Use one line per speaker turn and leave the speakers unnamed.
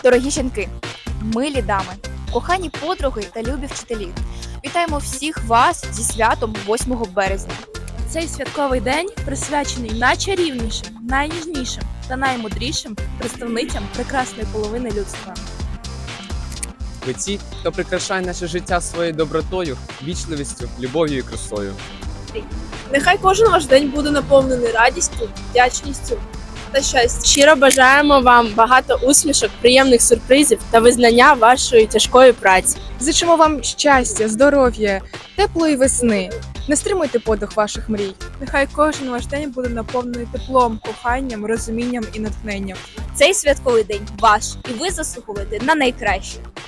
Дорогі жінки, милі дами, кохані подруги та любі вчителі, вітаємо всіх вас зі святом 8 березня.
Цей святковий день присвячений найчарівнішим, найніжнішим та наймудрішим представницям прекрасної половини людства.
Ви ті, хто прикрашає наше життя своєю добротою, вічливістю, любов'ю і красою.
Нехай кожен ваш день буде наповнений радістю, вдячністю та щастям.
Щиро бажаємо вам багато усмішок, приємних сюрпризів та визнання вашої тяжкої праці.
Зичимо вам щастя, здоров'я, теплої весни. Не стримуйте подих ваших мрій.
Нехай кожен ваш день буде наповнений теплом, коханням, розумінням і натхненням.
Цей святковий день ваш, і ви заслуговуєте на найкраще.